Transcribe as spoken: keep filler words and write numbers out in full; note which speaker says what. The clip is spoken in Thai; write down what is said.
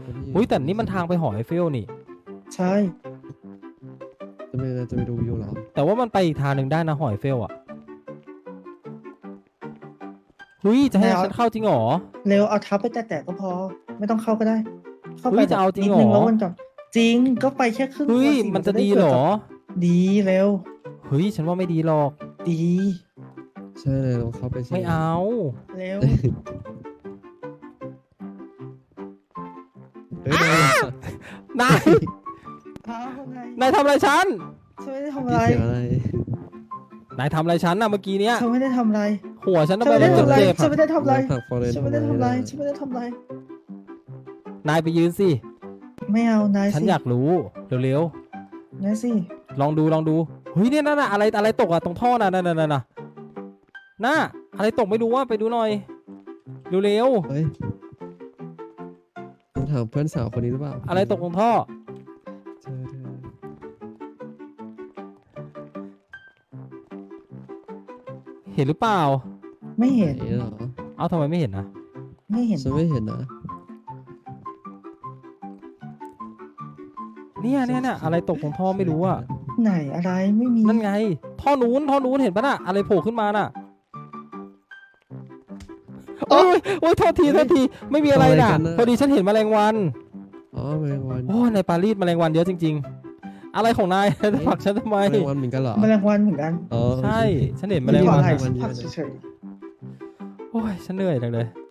Speaker 1: อุ้ยแต่นี่มันทางไปหอไอเฟลนี่
Speaker 2: ใช่
Speaker 3: จะไปจะไปดูวิวเหรอ
Speaker 1: แต่ว่ามันไปอีกทางหนึ่งได้นะหอไอเฟลอ่ะหุยจะให้ฉันเข้าจริงหรอ
Speaker 2: เร็วเอาเท้าไปแตะๆก็พอไม่ต้องเข้าก็ได้ เข้าไป
Speaker 1: จะเอาจริงหรอ
Speaker 2: นิดนึงแล้ววนก่อนจริงก็ไปแค่ครึ่ง
Speaker 1: เฮ้ย
Speaker 2: สิ
Speaker 1: มันจะดีเหรอ
Speaker 2: ดีเร็ว
Speaker 1: เฮ้ยฉันว่าไม่ดีหรอก
Speaker 2: ดี
Speaker 3: ใช่เลยลองเข้าไปสิ
Speaker 1: ไม่เอา
Speaker 2: เร็ว
Speaker 3: เฮ้ยนาย
Speaker 1: นาย
Speaker 2: เอาไง
Speaker 1: นายทำอะไรฉัน
Speaker 2: ฉันไม่ได้ทำ
Speaker 3: มี
Speaker 2: อะไร
Speaker 3: เสียงอะไร
Speaker 1: นายทำอะไรฉันน่ะเมื่อกี้เนี้ย
Speaker 2: ฉันไม่ได้ทำอะไร
Speaker 1: หัวฉันทำ
Speaker 2: ฉัน
Speaker 1: ไม
Speaker 2: ไม่ได้
Speaker 1: มัน
Speaker 2: ทำอะไร
Speaker 1: เจ็บ
Speaker 2: ฉันไม่ได้ทำอะไร
Speaker 3: นายผลักฟอเรน
Speaker 2: ฉันไม่ได้ทำอะไรฉันไม่ได้ทำอะไร
Speaker 1: นายไปยืนสิ
Speaker 2: ไม่เอานายสิ
Speaker 1: ฉันอยากรู้เร็วน
Speaker 2: ายสิ
Speaker 1: ๆลองดูลองดูเฮ้ยเนี่ยนั่นน่ะอะไรอะไรตกอะตรงท่อน่ะนั่นน่ะนั่นน่ะน่ะอะไรตกไม่รู้ว่าไปดูหน่อยเร็ว
Speaker 3: เฮ้ยต้องถามเพื่อนสาวคนนี้หรือเปล่า
Speaker 1: ๆอะไรตกตรงท่อ
Speaker 3: เธอเธอ
Speaker 1: เห็นหรือเปล่า
Speaker 2: ไม่เห็น
Speaker 3: ไหนเหรอ
Speaker 1: เอ้าทำไมไม่เห็นนะ
Speaker 2: ไม่เห็น
Speaker 3: ฉันไม่เห็นนะ
Speaker 1: เนี่ยเนี่ยเนี่ยอะไรตกตรงท่อไม่รู้อะ
Speaker 2: ไหนอะไรไม่มี
Speaker 1: นั่นไง ท่อนู้นท่อนู้นเห็นปะน่ะอะไรโผล่ขึ้นมาน่ะโอ้ยโอ้ยโทษทีโทษทีไม่มีอะไรน่ะพอดีฉันเห็นแมลงวัน
Speaker 3: อ๋อแมลงวัน
Speaker 1: โอ้ในปารีสแมลงวันเยอะจริง ๆ อะไรของนายจะผลักฉันทำไม
Speaker 3: แมลงวันเหมือนกันเหรอ
Speaker 2: แมลงวันเหมือนกัน
Speaker 3: อ๋อ
Speaker 1: ใช่ฉันเห็นแม
Speaker 2: ไม่
Speaker 1: ลง
Speaker 2: ได้
Speaker 1: วัน
Speaker 2: อะไร
Speaker 3: วันเดียว
Speaker 2: ผักเฉย
Speaker 1: โอ้ยฉันเหนื่อยจังเลย